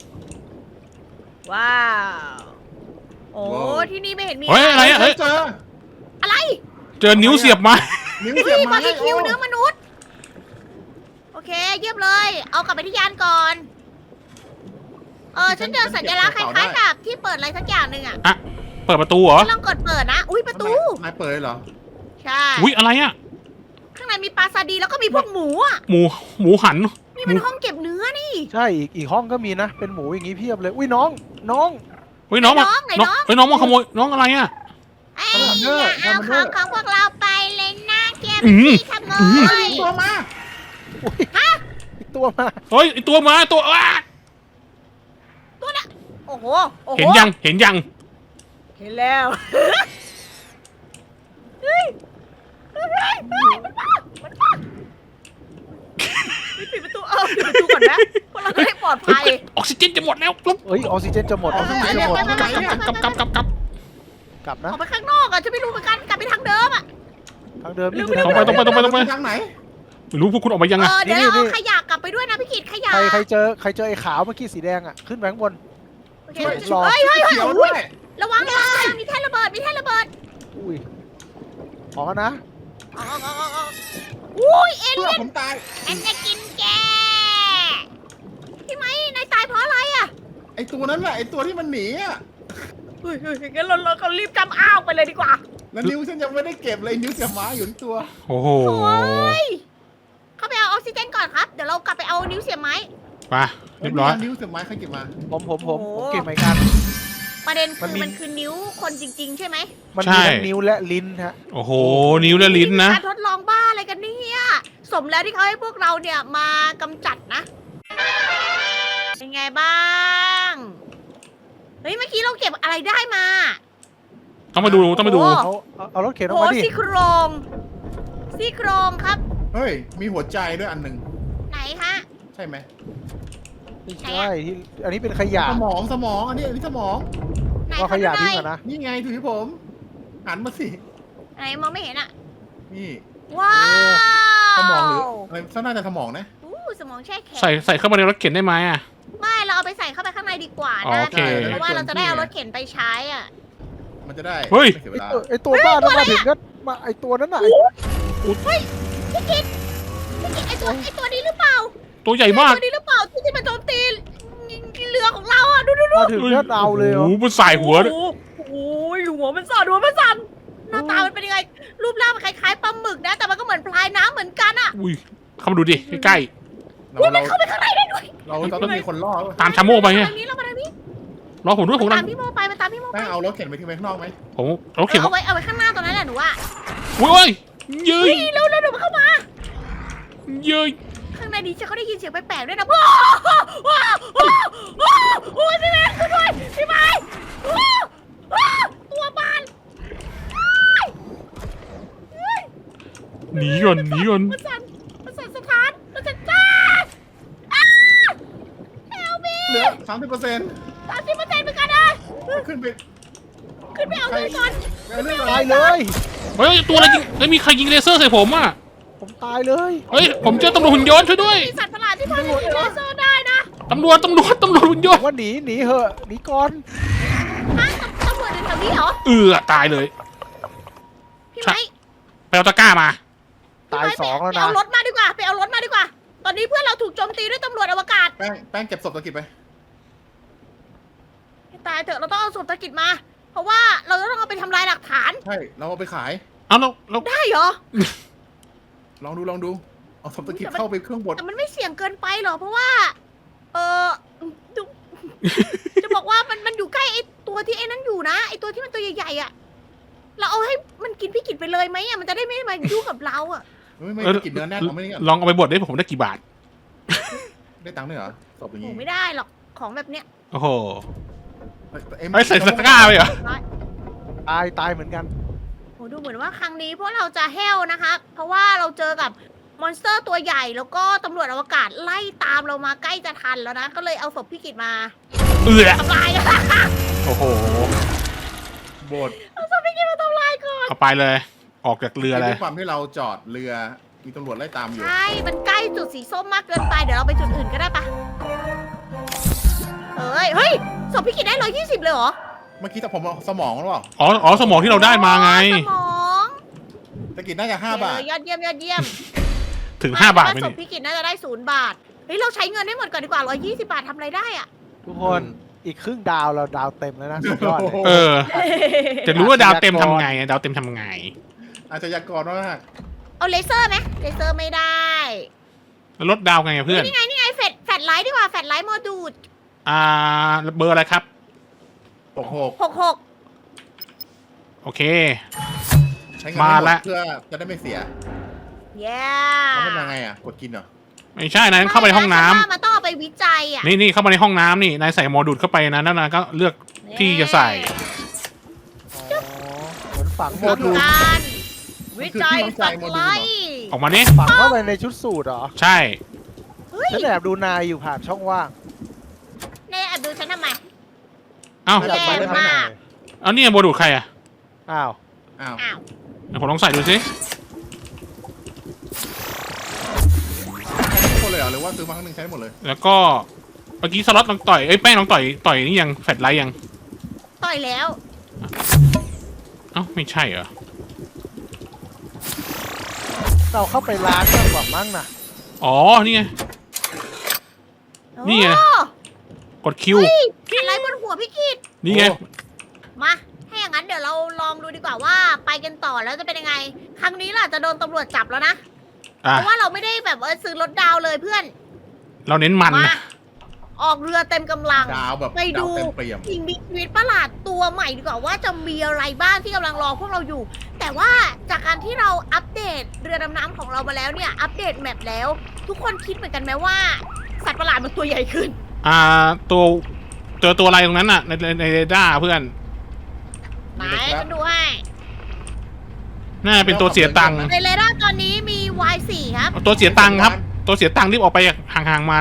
[SPEAKER 1] ว้าวโอ้
[SPEAKER 3] ว้าว
[SPEAKER 1] ที่นี่ไม่เห็นมี
[SPEAKER 2] เฮ้ยอะไรอะ
[SPEAKER 3] เฮ้ยเจอ
[SPEAKER 1] อะไร
[SPEAKER 2] เจอนิ้วเสียบมา
[SPEAKER 3] นิ้ว
[SPEAKER 1] เฮ้
[SPEAKER 3] เสียบ
[SPEAKER 1] ย
[SPEAKER 3] ไม้
[SPEAKER 1] บาร์บีคิว
[SPEAKER 3] โอ้
[SPEAKER 1] เนื้อมนุษย์โอเคเยี่ยมเลย เอากลับไปที่ยานก่อนเออฉันเจอสัญลักษณ์คล้ายๆกับที่เปิดอะไรสักอย่างหนึ่งอ่ะ
[SPEAKER 2] เปิดประตูเหรอ
[SPEAKER 1] ลองกดเปิดนะ อุ้ยประตู
[SPEAKER 3] นายเปิดเลยเหรอ
[SPEAKER 1] ใช่
[SPEAKER 2] อุ้ยอะไรอะ
[SPEAKER 1] ข้างในมีปลาซาดีแล้วก็มีพวกหมูอ่ะ
[SPEAKER 2] หมูหมูหัน
[SPEAKER 1] นี่มันห้องเก็บเนื้อนี่
[SPEAKER 4] ใช่ อีกอีกห้องก็มีนะ เป็นหมูอย่างงี้เพียบเลย อุ้ยน้อง น้อง
[SPEAKER 2] เฮ้ยน้องมา
[SPEAKER 1] ไหน
[SPEAKER 2] น้อง
[SPEAKER 1] น้อง
[SPEAKER 2] เฮ้ยน้องมาขโมยน้องอะไรอะ
[SPEAKER 1] ไอ้อย่าเอาของของพวกเราไปเลยนะเก็บ
[SPEAKER 2] อืม
[SPEAKER 1] ที่ขโม
[SPEAKER 2] อืม
[SPEAKER 1] ย
[SPEAKER 3] ตัวมา
[SPEAKER 4] อุ้ยอีกตัวมา
[SPEAKER 2] เฮ้ยไอตัวมาตัวอ้า
[SPEAKER 1] ตัวน่ะโอ้โหโอ้โห
[SPEAKER 2] เห็นยังเห็นยัง
[SPEAKER 1] เห็นแล้วเฮ้ยเฮ้ยเฮ้ยเฮ้ยมันมามันมาปิดประตูเออปิดประตูก่อนนะพวกเราจะได้ปลอด
[SPEAKER 2] เฮ้
[SPEAKER 1] ภั
[SPEAKER 2] ย
[SPEAKER 1] ย
[SPEAKER 2] ออกซิเจนจะหมดแล้วกรุ๊บ
[SPEAKER 4] เอ้ยออกซิเจนจะหมดออกซิเจนจะหมด
[SPEAKER 1] ไปไปไปไป
[SPEAKER 2] กลับกลับกลับกลับกลับ
[SPEAKER 4] กลับ
[SPEAKER 1] อ
[SPEAKER 4] นะ
[SPEAKER 1] อกไปข้างนอกอ่ะจะไม่รู้เหมือนกันกลับไปทางเดิมอ่ะ
[SPEAKER 4] ทางเดิมนี่
[SPEAKER 1] เร็ว
[SPEAKER 4] คือ
[SPEAKER 1] เร็ว
[SPEAKER 4] ทาง
[SPEAKER 2] ตรงไปตรงไปตรงไปตรงไป
[SPEAKER 3] ทางไหน
[SPEAKER 2] ไม่รู้พวกคุณออกมายัง
[SPEAKER 1] เอ
[SPEAKER 2] อะ
[SPEAKER 1] อเดี๋ยว
[SPEAKER 4] นี่
[SPEAKER 1] เรา
[SPEAKER 4] นี่
[SPEAKER 1] เอาขยะกลับไปด้วยนะพี่กิตขยะ
[SPEAKER 4] ใครใครเจอใครเจอไอ้ขาวเมื่อกี้สีแดงอ่ะ ขึ้นไปข้างบน
[SPEAKER 1] โอเค
[SPEAKER 4] ช่วยรอ
[SPEAKER 1] เฮ้ยเฮ้ยเฮ้ย
[SPEAKER 3] เขียว
[SPEAKER 1] อุ๊
[SPEAKER 3] ด้วย ย
[SPEAKER 1] ระวังระวังระวังมีแท่นระเบิดมีแท่นระเบิด
[SPEAKER 4] อุ้ยออกกันนะ
[SPEAKER 1] อ๋ออ๋ออ๋ออ๋ออุ้ยเอ
[SPEAKER 3] เพื่
[SPEAKER 1] เลี่
[SPEAKER 3] อย
[SPEAKER 1] น
[SPEAKER 3] ผมตาย
[SPEAKER 1] ฉันจะกินแกพี่ไหมนายตายเพราะอะไรอ่ะ
[SPEAKER 3] ไอตัวนั้นแหละไอตัวที่มันหนีอ่ะ
[SPEAKER 1] เฮ้ยเฮ้ยงั้นเราเราก็รีบจำอ้าวไปเลยดีกว่า
[SPEAKER 3] แล้วนิ้วฉันยังไม่ได้เก็บเลยนิ้วเสียบไม้อยู่ที่ตัว
[SPEAKER 2] โอ้โห
[SPEAKER 1] โอ้ยเข้าไปเอาอกซิเจนก่อนครับ เดี๋ยวเรากลับไปเอานิ้วเสียบไม้
[SPEAKER 2] ไปเรียบร้อย
[SPEAKER 3] นิ้วเสียบไม้ใครเก็บมา
[SPEAKER 4] ผมผมผม
[SPEAKER 1] โอ้โห
[SPEAKER 4] ผมเก็บเหมือนกัน
[SPEAKER 1] ประเด็น
[SPEAKER 4] มั
[SPEAKER 1] คื
[SPEAKER 4] น
[SPEAKER 1] อ
[SPEAKER 4] มี
[SPEAKER 1] มันคือนิ้วคนจริง ๆ ใช่ไหม
[SPEAKER 4] มันมีทั้งนิ้วและลิ้นฮะ
[SPEAKER 2] โอ้โห นิ้วและลิ้นนะ
[SPEAKER 1] การทดลองบ้าอะไรกันเนี่ยสมแล้วที่เขาให้พวกเราเนี่ยมากำจัดนะ เป็นไงบ้าง เฮ้ยเมื่อกี้เราเก็บอะไรได้มา
[SPEAKER 2] ต้องมาดูต้องมาดู
[SPEAKER 1] โอ้
[SPEAKER 4] เอาเอาเอารถเข็นออก
[SPEAKER 1] โอ้
[SPEAKER 4] มาดิ
[SPEAKER 1] ซี่โครงซี่โครงครับ
[SPEAKER 3] เฮ้ยมีหัวใจด้วยอันหนึ่ง
[SPEAKER 1] ไหนฮะ
[SPEAKER 3] ใช่ไหม
[SPEAKER 4] ไม่ใช่ที่อันนี้เป็นขยะ
[SPEAKER 3] สมองสมองอันนี้อันนี้สมอง
[SPEAKER 1] ไหน
[SPEAKER 4] ก็ขยะ
[SPEAKER 1] ดูห
[SPEAKER 4] ทิ้
[SPEAKER 1] น่
[SPEAKER 4] ง
[SPEAKER 1] อย
[SPEAKER 4] ก่อนนะ
[SPEAKER 3] นี่ไงถือที่ผมหันมาสิ
[SPEAKER 1] ไหนมองไม่เห็นอะ
[SPEAKER 3] นี่
[SPEAKER 1] ว้าว
[SPEAKER 3] สมองหรืออะไรน่าจะสมองนะ
[SPEAKER 1] อู้สมองแช่แข็ง
[SPEAKER 2] ใส่ใส่เข้ามาในรถเข็นได้ไหมอ่ะ
[SPEAKER 1] ไม่เราเอาไปใส่เข้าไปข้างในดีกว่า
[SPEAKER 2] อ๋อ
[SPEAKER 1] นะ
[SPEAKER 2] โอเค
[SPEAKER 1] เพราะว่าเราจะได้เอารถเข็นไปใช้อ่ะ
[SPEAKER 3] มันจะได้
[SPEAKER 2] เฮ้ย
[SPEAKER 3] ไม่เสียเว
[SPEAKER 4] ไอ
[SPEAKER 3] ลา
[SPEAKER 4] ตัวไอตัวบ้านั้นมาถึงก็มาไอตัวนั้นน่ะไอ้
[SPEAKER 1] เฮ้ยพี่กิตพี่กิตไอตัวไอตัวนี้หรือเปล่า
[SPEAKER 2] ตัวใหญ่มาก
[SPEAKER 1] ตัวนี้หรือเปล่าที่ที่มันโจมตีเรือของเราอ่ะดูดูดู
[SPEAKER 4] มาถึงก็เอาเลยเหร
[SPEAKER 2] โอ้
[SPEAKER 4] อ
[SPEAKER 2] โหมันใส่หัวด้วย
[SPEAKER 1] โอ้โหหัวมันสั่นหัวมันสั่นหน้าตามันเป็นยังไงรูปร่างมันคล้ายๆปลาหมึกนะ แต่มันก็เหมือนพลายน้ำเหมือนกันอ่ะ
[SPEAKER 2] อุ้ยเข้ามาดูดิใกล้
[SPEAKER 3] เรา
[SPEAKER 1] อุ้ยมั
[SPEAKER 3] เรา
[SPEAKER 1] นเข้าไปข้างในได้ด้วย
[SPEAKER 3] เราเราต้องมีคนล่อ
[SPEAKER 2] ๆตามชาโม่ไปไง
[SPEAKER 1] ทางนี้เรามาทางนี้
[SPEAKER 2] รอผมด้วยผม
[SPEAKER 1] ตา
[SPEAKER 2] นั่
[SPEAKER 1] ม
[SPEAKER 2] ง
[SPEAKER 1] พี่โมไปมันตามพี่โมไป
[SPEAKER 3] แป้งเอารถเข็นไปทิ้งไว้ข้างนอกไหม
[SPEAKER 2] ผมรถเข็น
[SPEAKER 1] เอาไว้เอาไว้ข้างหน้าตรงนั้นแหละหนูว่า
[SPEAKER 2] อุ้ยเอ้ยเย้
[SPEAKER 1] เฮ้
[SPEAKER 2] ย
[SPEAKER 1] ยเร็วเร็วเดี๋ยวมันเข้ามา
[SPEAKER 2] เย้ย
[SPEAKER 1] ข้างในนี้ฉันก็ได้ยินเสียงแปลกๆด้วยนะว้าวว้าวว้าวว้าวโอ้ยพี่แม่ช่วยด้วยพี่ไม้ว้าวว้าวตัวบาน
[SPEAKER 2] หนีก่อนหนีก่อน
[SPEAKER 1] มันสั่นมันสั่นสถานมันสั่นจ้าเฮลมี
[SPEAKER 3] เหลือสามสิบเปอร์เซ็นต์
[SPEAKER 1] สามสิบเปอร์เซ็นต์เหมือนกันนะ
[SPEAKER 3] ขึ้นไป
[SPEAKER 1] ขึ้นไปเอาเลยก่อน
[SPEAKER 3] ไปเอาเรื่อง
[SPEAKER 4] ตายเลย
[SPEAKER 2] เฮ้ยตัวอะไรยิงเฮ้ยมีใครยิงเลเซอร์ใส่ผมอ่ะ
[SPEAKER 4] ผมตายเลย
[SPEAKER 2] เฮ้ยผมเจอตำรวจหุ่นยนต์ช่วยด้วย
[SPEAKER 1] มีสัตว์ประหลาดที่พอจะยิงเลเซอร์ได้นะ
[SPEAKER 2] ตำรวจตำรวจตำรวจหุ่นย
[SPEAKER 4] ผ
[SPEAKER 2] น
[SPEAKER 4] ม
[SPEAKER 2] ต์
[SPEAKER 4] ว่าหนีหนีเหอะหนีก่อน
[SPEAKER 1] ฮะตำรวจอยู่แถวนี้เหรอ
[SPEAKER 2] เออตายเลย
[SPEAKER 1] พี่ไม้
[SPEAKER 2] ไปเอาตะกร้ามา
[SPEAKER 4] ตายสองแล้ว
[SPEAKER 1] ไป
[SPEAKER 4] นะ
[SPEAKER 1] เอารถมาดีกว่าไปเอารถมาดีกว่า ตอนนี้เพื่อนเราถูกโจมตีด้วยตำรวจอวกาศ
[SPEAKER 3] แป้งแป้งเก็บศพตะกิดไป
[SPEAKER 1] ให้ตายเถอะเราต้องเอาศพตะกิดมา เพราะว่าเราจะต้องเอาไปทำลายหลักฐาน
[SPEAKER 3] ใช่เราเอาไปขาย
[SPEAKER 2] เอาเราเรา
[SPEAKER 1] ได้เหรอ
[SPEAKER 3] ลองดูลองดูเอาศพตะกิดเข้าไปเครื่องบด
[SPEAKER 1] แต่มันไม่เสี่ยงเกินไปหรอกเพราะว่า เออดู จะบอกว่ามันมันอยู่ใกล้ไอ้ตัวที่ไอ้นั้นอยู่นะไอ้ตัวที่มันตัวใหญ่ๆอ่ะ เราเอาให้มันกินพี่กิจไปเลยไหมอ่ะมันจะได้ไม่มายุ่งกับเราอ่ะ
[SPEAKER 3] ไม่ไม่
[SPEAKER 2] เออ
[SPEAKER 3] ตะกิดเนื้อแน่นเอาไม่ได้ก่อน
[SPEAKER 2] ลองเอาไปบดได้ผมได้กี่บาท
[SPEAKER 3] ได้ตังค์ด้วยเหรอศพอย่าง
[SPEAKER 1] โอ้
[SPEAKER 3] นี้
[SPEAKER 1] ไม่ได้หรอกของแบบเนี้ย
[SPEAKER 2] โอ้โห
[SPEAKER 3] เอ้ย
[SPEAKER 2] ไอ้ยใส่ตะกร้าไปเหรอ
[SPEAKER 4] ตายตายเหมือนกัน
[SPEAKER 1] โอ้ดูเหมือนว่าครั้งนี้พวกเราจะแห้วนะคะ เพราะว่าเราเจอกับมอนสเตอร์ตัวใหญ่แล้วก็ตำรวจอวกาศไล่ตามเรามาใกล้จะทันแล้วนะ ก็เลยเอาศพพี่กิจมา
[SPEAKER 2] เอือ
[SPEAKER 1] ทำลายกัน
[SPEAKER 2] โอ้โห
[SPEAKER 3] บด
[SPEAKER 1] เอาศพพี่กิจมาทำลายก่อน
[SPEAKER 2] เอาไปเลย ออกจากเรือเล
[SPEAKER 3] ด้วย ยความที่เราจอดเรือมีตำรวจไล่ตามอยู่
[SPEAKER 1] ใช่ มันใกล้จุดสีส้มมากเกินไป เดี๋ยวเราไปจุดอื่นก็ได้ปะเอ้ย เฮ้ยศพพี่กิจได้ร้อยยี่สิบเลยเหรอ
[SPEAKER 3] เมื่อกี้แต่ผมเอาสมองหรือเปล่า
[SPEAKER 2] อ๋ออ๋อสมองที่เราได้มาไง
[SPEAKER 1] สมอง
[SPEAKER 3] ตะกิดน่าจะห้าบาท
[SPEAKER 1] เออยอดเยี่ยมยอดเยี่ยม
[SPEAKER 2] ถึงห้าบาทไหม
[SPEAKER 1] ศ
[SPEAKER 2] นี่
[SPEAKER 1] พพี่กิจน่าจะได้ศูนย์บาท เฮ้ย เราใช้เงินให้หมดก่อนดีกว่าร้อยยี่สิบบาททำอะไรได้อะ
[SPEAKER 4] ทุกคนอีกครึ่งดาวเราดาวเต็มแล้วนะสุดยอดเลย
[SPEAKER 2] เออ จะรู้ว่าดาวเต็มทำไงอะดาวเต็มทำไง
[SPEAKER 3] อาจจะยากรมาก
[SPEAKER 1] เอาเลเซอร์ไหมเลเซอร์ไม่ได้
[SPEAKER 2] แล้วลดดาวไงอะเพื่อน
[SPEAKER 1] นี่ไงนี่ไงแฟลชแฟลชไลท์ดีกว่าแฟลชไลท์โมดูด
[SPEAKER 2] อ่าเบอร์อะไรครับ
[SPEAKER 3] หกหก
[SPEAKER 1] หกหก
[SPEAKER 2] โอเค
[SPEAKER 3] ใช้เงิน
[SPEAKER 2] มา
[SPEAKER 3] ให้หม
[SPEAKER 2] ละ
[SPEAKER 3] ดเพื่อจะได้ไม่เสีย
[SPEAKER 1] เย้
[SPEAKER 3] แล้วมันยังไงอ่ะ กดกินเหรอ
[SPEAKER 2] ไม่ใช่นายเข้าไปในห้องน้ำ
[SPEAKER 1] ฉัว่ามันต้องเอาไปวิจัยอ่ะ
[SPEAKER 2] นี่นี่เข้ามาในห้องน้ำนี่นายใส่หมอดูดเข้าไปนะแล้วนายก็เลือก ที่จะใส่
[SPEAKER 4] อ๋อเหมือนฝังโม
[SPEAKER 1] ทำ
[SPEAKER 4] ดูล
[SPEAKER 1] การวิจัยแฟลชไลท์
[SPEAKER 2] ออกมานี่
[SPEAKER 4] ฝังเข้าไปในชุดสูทเหรอ
[SPEAKER 2] ใช่
[SPEAKER 1] เฮ้ย
[SPEAKER 4] ฉันแอบดูนายอยู่ผ่านช่องว่าง
[SPEAKER 1] ในแอบดูฉันทำไม
[SPEAKER 2] เอ้า
[SPEAKER 1] แย่มาก
[SPEAKER 2] เอานี่หมอดูดใครอะ
[SPEAKER 4] อ้าว
[SPEAKER 3] อ้าว
[SPEAKER 1] อ้าว
[SPEAKER 2] เดี๋ยวผมลองใส่ดูสิ
[SPEAKER 3] ทุกคนเลยเหรอหรือว่าซื้อมาครั้งหนึงใช้หมดเลย
[SPEAKER 2] แล้วก็เมื่อกี้สล็อตลองต่อยเอ้ยแป้งลองต่อยต่อยนี่ยังแฟลชไลท์ยัง
[SPEAKER 1] ต่อยแล้ว
[SPEAKER 2] เอ้าไม่ใช่เหรอ
[SPEAKER 4] เราเข้าไปร้านมากกว่ามั้งนะ
[SPEAKER 2] อ๋อนี่ไง นี่ไง
[SPEAKER 1] โอ้
[SPEAKER 2] กดคิว
[SPEAKER 1] เฮ้ยอะไรบนหัวพี่กิต
[SPEAKER 2] นี่ไง
[SPEAKER 1] มาถ้าอย่างนั้นเดี๋ยวเราลองดูดีกว่าว่าไปกันต่อแล้วจะเป็นยังไง ครั้งนี้ล่ะจะโดนตำรวจจับแล้วนะ
[SPEAKER 2] อ่ะ
[SPEAKER 1] เพราะว่าเราไม่ได้แบบว่าซื้อรถดาวเลยเพื่อน
[SPEAKER 2] เราเน้นมัน
[SPEAKER 1] มา
[SPEAKER 2] นะ
[SPEAKER 1] ออกเรือเต็มกำลัง
[SPEAKER 3] ดาวแบบ
[SPEAKER 1] ไปดู
[SPEAKER 3] ดาวเต็มเปี่ยม
[SPEAKER 1] สิ่งมีชีวิตประหลาดตัวใหม่ดีกว่าว่าจะมีอะไรบ้างที่กำลังรอพวกเราอยู่ แต่ว่าจากการที่เราอัปเดตเรือดำน้ำของเรามาแล้วเนี่ย อัปเดตแมปแล้ว ทุกคนคิดเหมือนกันไหมว่า สัตว์ประหลาดมันตัวใหญ่ขึ้น
[SPEAKER 2] อ่าตัวเจอตัวอะไรตรงนั้นน่ะในในในเรดาร์เพื่อน
[SPEAKER 1] ไหนฉันดูให้
[SPEAKER 2] น่าจะเป็นตัวเสียตังค์
[SPEAKER 1] ในเรดาร์ตอนนี้มี วาย โฟร์ ครับ
[SPEAKER 2] ตัวเสียตังค์ครับ ตัวเสียตังค์รีบออกไปห่างๆมัน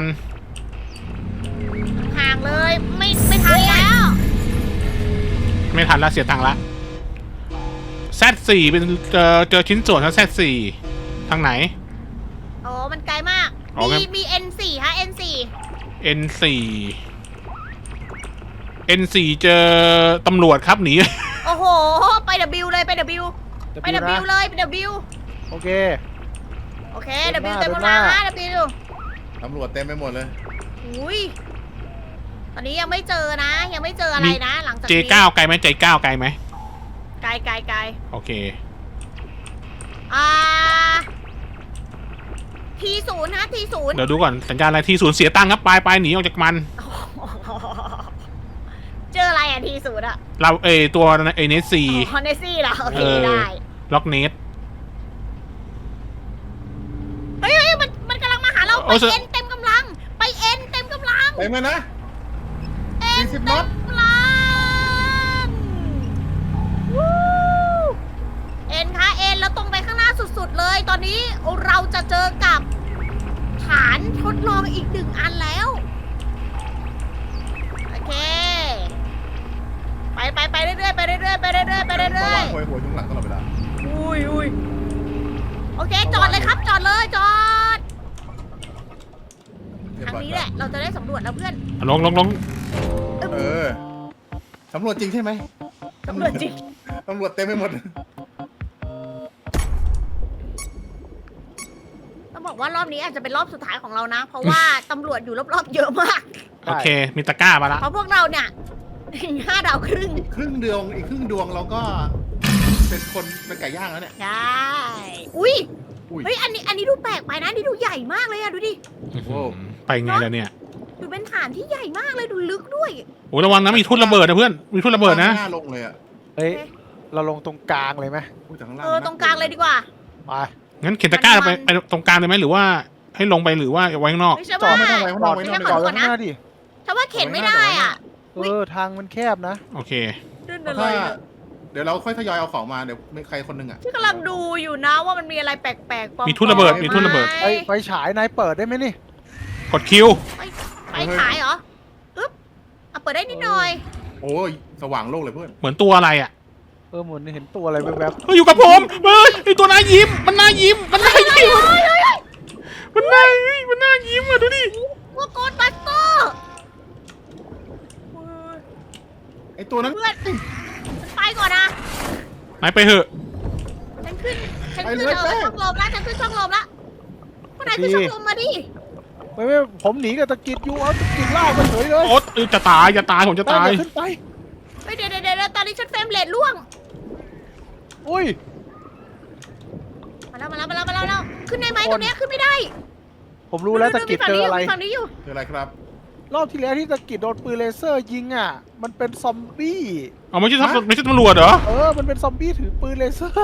[SPEAKER 1] ห่างเลยไม่ไม่ทันแล้ว
[SPEAKER 2] ไม่ทันละเสียตังค์ละแซดสี่เป็นเจอเจอชิ้นส่วนทั้งแซดสี่ทางไหน
[SPEAKER 1] โอ้มันไกลมาก
[SPEAKER 2] อ๋องั้
[SPEAKER 1] มี
[SPEAKER 2] น
[SPEAKER 1] มี เอ็น โฟร์ ฮะ เอ็น โฟร์
[SPEAKER 2] เอ็น โฟร์ เอ็น โฟร์ เจอตำรวจครับหนี
[SPEAKER 1] โอ้โห ไป W เลยไป W ไป
[SPEAKER 4] จะ
[SPEAKER 1] W
[SPEAKER 4] นะ
[SPEAKER 1] เลยไป W
[SPEAKER 4] โอเค
[SPEAKER 1] โอเค
[SPEAKER 4] เดิ
[SPEAKER 1] W
[SPEAKER 4] นหน้า
[SPEAKER 1] เต็ม
[SPEAKER 4] เดิ
[SPEAKER 1] กำ
[SPEAKER 4] นห
[SPEAKER 1] ลั
[SPEAKER 4] น้า
[SPEAKER 1] งฮะ W
[SPEAKER 3] ตำรวจเต็มไปหมดเลย
[SPEAKER 1] อุ้ยตอนนี้ยังไม่เจอนะ ยังไม่เจออะไรนะ หลังจาก
[SPEAKER 2] เจ
[SPEAKER 1] นี้
[SPEAKER 2] เก้าไกลไหมเจเก้าไกลไหม
[SPEAKER 1] ไกลไกลไกล
[SPEAKER 2] โอเค
[SPEAKER 1] อ่า ทีศูนย์ฮะทีศูนย์
[SPEAKER 2] เดี๋ยวดูก่อนสัญญาณอะไรที่ศูนย์เสียตังค์ครับไปไปหนีออกจากมัน
[SPEAKER 1] เจออะไรอ่ะทีศูนย์อ่ะ
[SPEAKER 2] เราเอยตัวเอเนสซี
[SPEAKER 1] คอนเนซี่เหรอโอเค
[SPEAKER 2] เออ
[SPEAKER 1] ได้
[SPEAKER 2] ล็อกเนส
[SPEAKER 1] เฮ้ยเฮ้ยมันมันกำลังมาหาเรา
[SPEAKER 2] โอ้
[SPEAKER 1] ไป
[SPEAKER 2] เสือ
[SPEAKER 1] เอ็นเต็มกำลัง ไปเอ็นเต็มกำลัง
[SPEAKER 3] เต็มเลยนะ
[SPEAKER 1] เอ็น
[SPEAKER 3] สี่สิบ
[SPEAKER 1] เต็
[SPEAKER 3] น็อ
[SPEAKER 1] ม
[SPEAKER 3] ต
[SPEAKER 1] กำลังวู้เอ็นคะเอ็นแล้วตรงไปข้างหน้าสุดๆเลย ตอนนี้เราจะเจอกับฐานทดลองอีกหนึ่งอันแล้ว โอเค ไปไปไปเรื่อยๆไปเรื่อยๆไปเรื่อยๆไป
[SPEAKER 3] ระ
[SPEAKER 1] เรื่อ
[SPEAKER 3] วั
[SPEAKER 1] ย
[SPEAKER 3] งหัวหัวอยู่ข้างหลังตลอดเวลา
[SPEAKER 1] ๆอุ้ยอุ้ยโอเค จอดเลยครับ จอดเลยจอด
[SPEAKER 3] เรียบ
[SPEAKER 1] ทาง
[SPEAKER 3] ร้อย
[SPEAKER 1] นี้
[SPEAKER 3] ค
[SPEAKER 1] แห
[SPEAKER 3] รับ
[SPEAKER 1] ละ เราจะได้สำรวจแล้วเพื่อน
[SPEAKER 2] ลงลงลง
[SPEAKER 3] เออตำรวจจริงใช่ไหม
[SPEAKER 1] สำรวจจริง
[SPEAKER 3] ตำรวจเต็มไปหมด
[SPEAKER 1] ต้องบอกว่ารอบนี้อาจจะเป็นรอบสุดท้ายของเรานะ เพราะว่า ตำรวจอยู่รอบๆเยอะมาก
[SPEAKER 2] โอเค มีตะกร้ามาละ
[SPEAKER 1] เพราะพวกเราเนี่ย ห้าดาวครึ่ง
[SPEAKER 3] ครึ่งดวงอีกครึ่งดวงเราก็เป็นคนเป็นไก่ย่างแล้วเนี่ย
[SPEAKER 1] ใช่ อุ้ย
[SPEAKER 3] อุ้ย
[SPEAKER 1] เฮ้ย อันนี้ อันนี้ดูแปลกไปนะ นี่ดูใหญ่มากเลยอะดูดิ
[SPEAKER 3] โอ้
[SPEAKER 2] ไปไงแล้วเนี่ย
[SPEAKER 1] ดูเป็นฐานที่ใหญ่มากเลย ดูลึกด้วย
[SPEAKER 2] โอ้ระวังนะมีทุ่นระเบิดนะเพื่อนมีทุ่นระเบิดนะ
[SPEAKER 3] หน้าลงเลยอ่ะ
[SPEAKER 4] เฮ้ย เราลงตรงกลางเลยไหม
[SPEAKER 3] อุ้ยแต่ข้างล่าง
[SPEAKER 1] เออ ตรงกลางเลยดีกว่า
[SPEAKER 4] ไป
[SPEAKER 2] งั้นเข็นตะกร้าไปไปตรงกลางเลยไหมหรือว่าให้ลงไปหรือว่าไว้ข้างนอก
[SPEAKER 1] ไม่ใช่
[SPEAKER 3] จอ
[SPEAKER 1] ว่า
[SPEAKER 3] ดไม่ต้องไว้ข้างนอกไว้
[SPEAKER 1] ไม่
[SPEAKER 3] ข้าง
[SPEAKER 1] ใช่
[SPEAKER 3] นอก
[SPEAKER 1] ข
[SPEAKER 4] จ
[SPEAKER 1] อ
[SPEAKER 4] อด
[SPEAKER 1] โทษนะ
[SPEAKER 4] ไว้ข้างหน้าดิ
[SPEAKER 1] ฉันว่าเข็นไม่ได้อ่ะ
[SPEAKER 4] เออ ทางมันแคบนะ
[SPEAKER 2] โอเค
[SPEAKER 1] ดื้น
[SPEAKER 3] เพราะ
[SPEAKER 1] เล
[SPEAKER 3] ถ้าย เดี๋ยวเราค่อยทยอยเอาของมาเดี๋ยวมีใครคนหนึงอ่ะ
[SPEAKER 1] ที่กำลังดูอยู่นะว่ามันมีอะไรแปลกๆปลอๆ
[SPEAKER 2] มีทุ่นระเบิดมีทุ่นระเบิด
[SPEAKER 1] ไห
[SPEAKER 4] ไฟไฟฉายนายเปิดได้ไหมนี่
[SPEAKER 2] กดคิว
[SPEAKER 1] ไฟฉายเหรออึ๊บอ่ะเปิดได้นิดหน่อย
[SPEAKER 3] โอ้ยสว่างโลกเลยเพื่อน
[SPEAKER 2] เหมือนตัวอะไรอ่ะ
[SPEAKER 4] เออเหมือนเห็นตัวอะไรแวบ
[SPEAKER 2] เฮ้ยอยู่กับผมเฮ้ยไอตัวหน้ายิ้ม มันหน้ายิ้ม มันหน้ายิ้ม มันหน้ามันหน้ายิ้มอ่ะดูดิ
[SPEAKER 1] ว่าโกดบัสเตอร์
[SPEAKER 3] ไอตัวนั้น
[SPEAKER 1] เพื่อนฉันไปก่อนนะ
[SPEAKER 2] ไหนไปเถอะ
[SPEAKER 1] ฉันขึ้น ฉัน
[SPEAKER 3] ไป
[SPEAKER 1] ขึ้น
[SPEAKER 3] เลย
[SPEAKER 1] เออ
[SPEAKER 3] แป้ง
[SPEAKER 1] ช่องลมแล้ว ฉันขึ้นช่องลมแล้วคนไหนขึ้นช่องลมมาดิ
[SPEAKER 4] ๆไม่ไม่ผมหนีกับตะกิดอยู่ เอาตะกิดลากไปเฉยเลย
[SPEAKER 2] โอ๊ตเออจะตายจะตายผมจะ
[SPEAKER 4] ตา
[SPEAKER 2] ตาย ย
[SPEAKER 4] ขึ้นไป
[SPEAKER 1] เฮ้ยเดี๋ยวเดี๋ยวเดี๋ยวตอนนี้ฉันเฟรมเรทล่วง
[SPEAKER 4] อุ้ย
[SPEAKER 1] มาแล้วมาแล้วมาแล้วมาแล้วมาแล้วขึ้นได้ไหมตรงเนี้ยขึ้นไม่ได้
[SPEAKER 4] ผมรู้แล้วตะกิดเจออะไร
[SPEAKER 1] มีฝั่งนี้อยู่
[SPEAKER 3] คืออะไรครับ
[SPEAKER 4] รอบที่แล้วที่ตะกิดโดนปืนเลเซอร์ยิงอ่ะ มันเป็นซอมบี้
[SPEAKER 2] เอาไม่ใช่ตำรวจไม่ใช่ตำรวจเหรอ
[SPEAKER 4] เออ มันเป็นซอมบี้ถือปืนเลเซอร์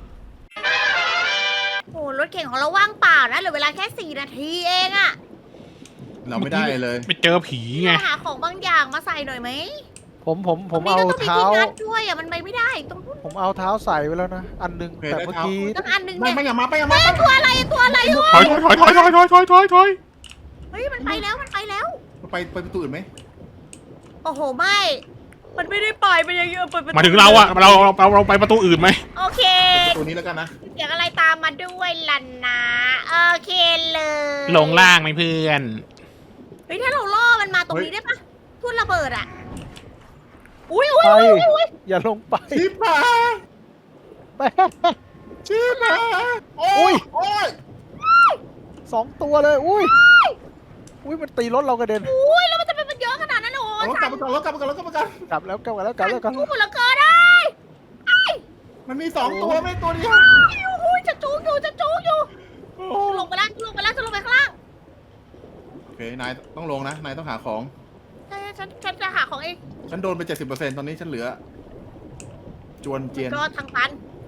[SPEAKER 1] โอ้รถเข็นของเราว่างเปล่านะเหลือเวลาแค่สี่นาทีเองอะ
[SPEAKER 3] เราไม่ได้เลย
[SPEAKER 2] ไปเจอผีไง
[SPEAKER 1] เราหาของบางอย่างมาใส่หน่อยไหม
[SPEAKER 4] ผมผมผม
[SPEAKER 1] ตรง
[SPEAKER 4] เอา
[SPEAKER 1] นี้ก็ต้องมี
[SPEAKER 4] เท้า
[SPEAKER 1] ที่งัดด้วยอะมันไปไม่ได้ตรงนู้น
[SPEAKER 4] ผมเอาเท้าใส่ไว้แล้วนะ อันหนึง
[SPEAKER 3] โอเค
[SPEAKER 4] แต่
[SPEAKER 3] ได้
[SPEAKER 4] เมื่อ
[SPEAKER 3] เท้า
[SPEAKER 4] กี้
[SPEAKER 1] ต้องอันหนึ่ง
[SPEAKER 3] ไม่
[SPEAKER 1] เนี่ย
[SPEAKER 3] ไม่อย่ามาไปอย่ามา
[SPEAKER 1] เฮ้ยตัวอะไรตัวอะไรวะ
[SPEAKER 2] ถอยถอยถอยถอยถอยถอยถอยถอย
[SPEAKER 1] เฮ้ยมันไปแล้วมันไปแล้ว
[SPEAKER 3] ไปไปประตูอื่นไหม
[SPEAKER 1] โอ้โหไม่ มันไม่ได้ไปไปยังไงไป
[SPEAKER 2] มาถึงเราอะเราเราเราเราไปประตูอื่นไหม
[SPEAKER 1] โอเค
[SPEAKER 3] ประตูนี้แล้วกันนะ
[SPEAKER 1] เสียงอะไรตามมาด้วยล่ะนะโอเคเลย
[SPEAKER 2] ลงล่างไหมเพื่อน
[SPEAKER 1] เฮ้ยถ้าเราล่อมันมาตรงนี้ได้ปะทุ่นระเบิดอะอุ้ยอุ้ย
[SPEAKER 4] ไป
[SPEAKER 1] อุ้ยอุ้ย
[SPEAKER 4] อย่าลงไป
[SPEAKER 3] ชิบหาย
[SPEAKER 4] ไป
[SPEAKER 3] ชิบหายโอ้
[SPEAKER 4] อุ้
[SPEAKER 3] ย
[SPEAKER 4] ย
[SPEAKER 3] โอ้ย
[SPEAKER 4] สองตัวเลย อุ้ย อุ้ย มันตีรถเรากระเด็น
[SPEAKER 1] อุ้ยแล้วมันจะเป็นมันเยอะขนาดนั้นเหรอ
[SPEAKER 3] เอารถกลับมาก่อนรถกลับมาก่อนรถกลับมาก่อน
[SPEAKER 4] กลับแล้วกลับแล้วกลับแล้วกลับ
[SPEAKER 1] กู
[SPEAKER 4] แล้ว
[SPEAKER 1] เหลือเกินได้
[SPEAKER 3] มันมีสองตัวไม่ตัวเดียว
[SPEAKER 1] อุ้ยจะจูงอยู่จะจูงอยู่
[SPEAKER 3] โอ้
[SPEAKER 1] หล
[SPEAKER 3] เค นายต้องลงนะ นายต้องหาของ
[SPEAKER 1] ใช่ฉันฉันจะหาของเอง
[SPEAKER 3] ฉันโดนไปเจ็ดสิบเปอร์เซ็นต์ตอนนี้ฉันเหลือ จวนเจียน
[SPEAKER 1] รอทางตัน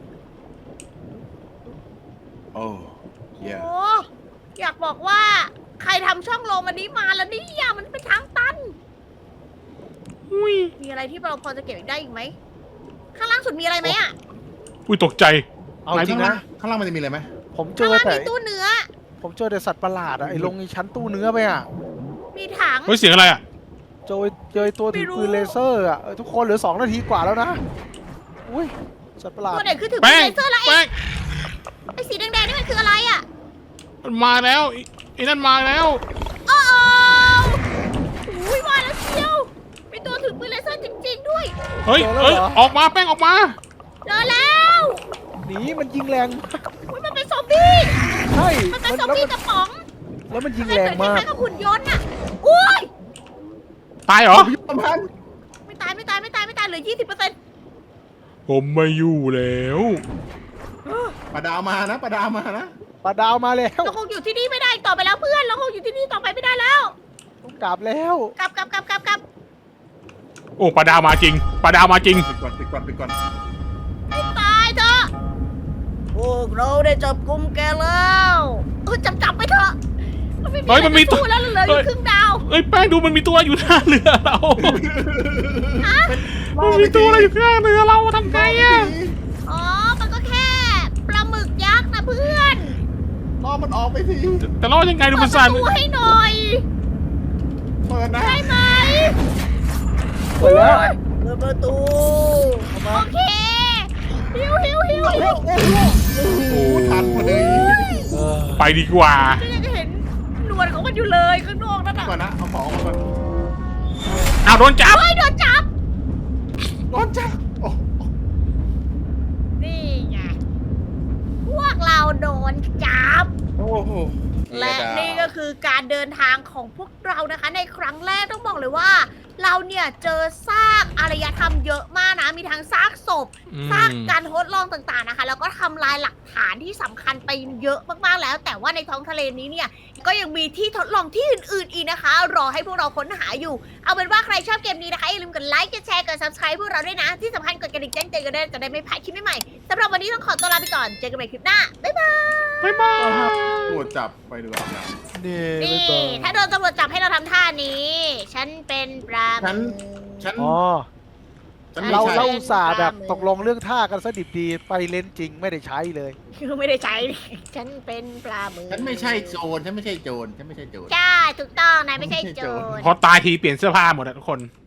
[SPEAKER 3] โอ้เยี่ย
[SPEAKER 1] โอ้อยากบอกว่าใครทำช่องโลมันนี้มาแล้วเนี่ยมันเป็นทางตัน
[SPEAKER 2] อุ้ย
[SPEAKER 1] มีอะไรที่เราพอจะเก็บอีกได้อีกไหม ข้างล่างสุดมีอะไรไหมอ่ะ
[SPEAKER 2] อุ้ยตกใจ
[SPEAKER 4] เอา
[SPEAKER 3] นาย
[SPEAKER 4] จริง
[SPEAKER 3] ข้างล่า
[SPEAKER 4] นะ
[SPEAKER 3] งข้างล่างมันจะมีอะไรไหม
[SPEAKER 4] ผมเจ
[SPEAKER 1] ข้าง
[SPEAKER 4] อ
[SPEAKER 1] ล่าง
[SPEAKER 4] แต่
[SPEAKER 1] มีตู้เนื้อ
[SPEAKER 4] ผมเจอแต่สัตว์ประหลาดอะไอ้ลงไอ้ชั้นตู้เนื้อไปอะ
[SPEAKER 1] มีถัง
[SPEAKER 2] เฮ้ยเสียงอะไรอ่ะ
[SPEAKER 4] เจอเจอไอ้ตัวถือ
[SPEAKER 1] ไม่รู้
[SPEAKER 4] ปืนเลเซอร์อะเออทุกคนเหลือสองนาทีกว่าแล้วนะอุ้ยสัตว์ประหลาด
[SPEAKER 1] ตัวไหนคือถือปื
[SPEAKER 2] แป้
[SPEAKER 1] น
[SPEAKER 2] ง
[SPEAKER 1] เลเซอร์แล้วไอ้
[SPEAKER 2] แป้ง
[SPEAKER 1] ไอ้สีแดงๆนี่มันคืออะไรอ่ะ
[SPEAKER 2] มันมาแล้วไอ้ไอ้นั่นมาแล้ว
[SPEAKER 1] โอ้โหอุ้ยมาแล้วเชียวมีตัวถือปืนเลเซอร์จริง ๆ ด้วย
[SPEAKER 2] เฮ้ยเฮ้ยออกมาแป้งออกมา
[SPEAKER 1] เจอแล้ว
[SPEAKER 4] หนีมันยิงแรง
[SPEAKER 1] อุ๊ยมันเป็นซอมบี้
[SPEAKER 4] ใช่
[SPEAKER 1] มันเป็น
[SPEAKER 4] มัน
[SPEAKER 1] ซอม
[SPEAKER 4] แล้ว
[SPEAKER 1] บี้
[SPEAKER 4] มัน
[SPEAKER 1] กระป๋อง
[SPEAKER 4] แล้วมันยิง
[SPEAKER 1] มัน
[SPEAKER 4] แร
[SPEAKER 1] เห
[SPEAKER 4] ง
[SPEAKER 1] มือนค
[SPEAKER 4] มาก
[SPEAKER 1] ล้ายๆกับหุ่นยนต์อ่ะอุ้ย
[SPEAKER 2] ตายเหรอ
[SPEAKER 3] ยุบประพันธ์
[SPEAKER 1] ไม่ตายไม่ตายไม่ตายไม่ตายเหลือยี่สิบเปอร์เซ็นต์
[SPEAKER 2] ผมไม่อยู่แล้ว
[SPEAKER 3] ปลาดาวมานะปลาดาวมานะ
[SPEAKER 4] ปลาดาวมาแล้ว
[SPEAKER 1] เราคงอยู่ที่นี่ไม่ได้ต่อไปแล้วเพื่อน เราคงอยู่ที่นี่ต่อไปไม่ได้แล้ว
[SPEAKER 4] ต้องกลับแล้ว
[SPEAKER 1] กลับกลับกลับกลับกลับ
[SPEAKER 2] โอ้ปลาดาวมาจริงปลาดาวมาจริง
[SPEAKER 3] ปิดก่อนปิดก่อนปิดก่อน
[SPEAKER 1] ไม่ตายเถอะพวกเราได้จับกุมแกแล้วเออจับจับไปเถอะมันไม่มี
[SPEAKER 2] เฮ้ย
[SPEAKER 1] อะไร
[SPEAKER 2] มันมี
[SPEAKER 1] จะสู้แล้วเหลืออยู่ครึ่งดาว
[SPEAKER 2] เอ้ยแป้งดูมันมีตัวอยู่หน้าเรือเรา
[SPEAKER 1] ฮะ
[SPEAKER 2] มันมีตัวอะไรอยู่ข้างเรือเราทำไงอะ
[SPEAKER 1] อ๋อ มันก็แค่ปลาหมึกยักษ์นะเพื่อน
[SPEAKER 3] ล่อมันออกไปที
[SPEAKER 2] แต่รอดยังไงดู
[SPEAKER 1] เปิ
[SPEAKER 2] มั
[SPEAKER 1] ด
[SPEAKER 2] น
[SPEAKER 1] ป
[SPEAKER 2] สั่น
[SPEAKER 1] ระตูให้หน่อย
[SPEAKER 3] เปิดนะ
[SPEAKER 1] ได้ไหม
[SPEAKER 4] เปิดแล้ว
[SPEAKER 1] เปิดประตู
[SPEAKER 4] เอามา
[SPEAKER 1] โอเคหิวหิวหิวหิว
[SPEAKER 3] โอ้โหทันพอดี
[SPEAKER 4] เออ
[SPEAKER 2] ไปดีกว่า
[SPEAKER 1] ก็ยังเห็นหนวดของมันอยู่เลยข้างนอกนั่น
[SPEAKER 3] ก่อ
[SPEAKER 1] น่ะ
[SPEAKER 3] นนะเอาของออกมาก่อน
[SPEAKER 2] เอาโดนจับ
[SPEAKER 1] เฮ้ยโดนจับ
[SPEAKER 3] โดนจับโอ้
[SPEAKER 1] นี่ไง พวกเราโดนจับ
[SPEAKER 3] โอ้โห
[SPEAKER 1] และนี่ก็คือการเดินทางของพวกเรานะคะ ในครั้งแรกต้องบอกเลยว่า เราเนี่ยเจอซากอารยธรรมเยอะมากนะ มีทั้งซากศพ
[SPEAKER 2] อืม
[SPEAKER 1] ซากการทดลองต่างๆนะคะ แล้วก็ทำลายหลักฐานที่สำคัญไปเยอะมากๆแล้ว แต่ว่าในท้องทะเลนี้เนี่ย ก็ยังมีที่ทดลองที่อื่นๆอีกนะคะ รอให้พวกเราค้นหาอยู่ เอาเป็นว่าใครชอบเกมนี้นะคะอย่าลืมกดไลค์ กดแชร์ กด subscribe พวกเราด้วยนะ ที่สำคัญกดกระดิ่งแจ้งเตือนกันด้วยจะได้ไม่พลาดคลิปใหม่ๆสำหรับวันนี้ต้องขอตัวลาไปก่อน เจอกันใหม่คลิปหน้า บ๊ายบาย
[SPEAKER 2] บ๊ายบาย
[SPEAKER 3] ตรวจจับไปดีกว่า
[SPEAKER 4] นี่
[SPEAKER 1] นี่
[SPEAKER 4] ไม่ต้อง
[SPEAKER 1] ถ้าโดนตำรวจจับให้เราทำท่านี้ ฉันเป็นปลาหมึก
[SPEAKER 3] ฉัน ฉัน
[SPEAKER 4] อ๋อ
[SPEAKER 3] ฉันไม่
[SPEAKER 4] เรา
[SPEAKER 3] ใช่
[SPEAKER 4] เราอุตส่าห์แบบตกลงเรื่องท่ากันซะดิบดีไปเล่นจริงไม่ได้ใช้เลย
[SPEAKER 1] คือไม่ได้ใช้ ฉันเป็นปลาหมึก
[SPEAKER 3] ฉันไม่ใช่โจร ฉันไม่ใช่โจร ฉันไม่ใช่โจร
[SPEAKER 1] ใช่ถูกต้องนายไม่ใช่โจร
[SPEAKER 2] พอตายทีเปลี่ยนเสื้อผ้าหมดอะทุกคน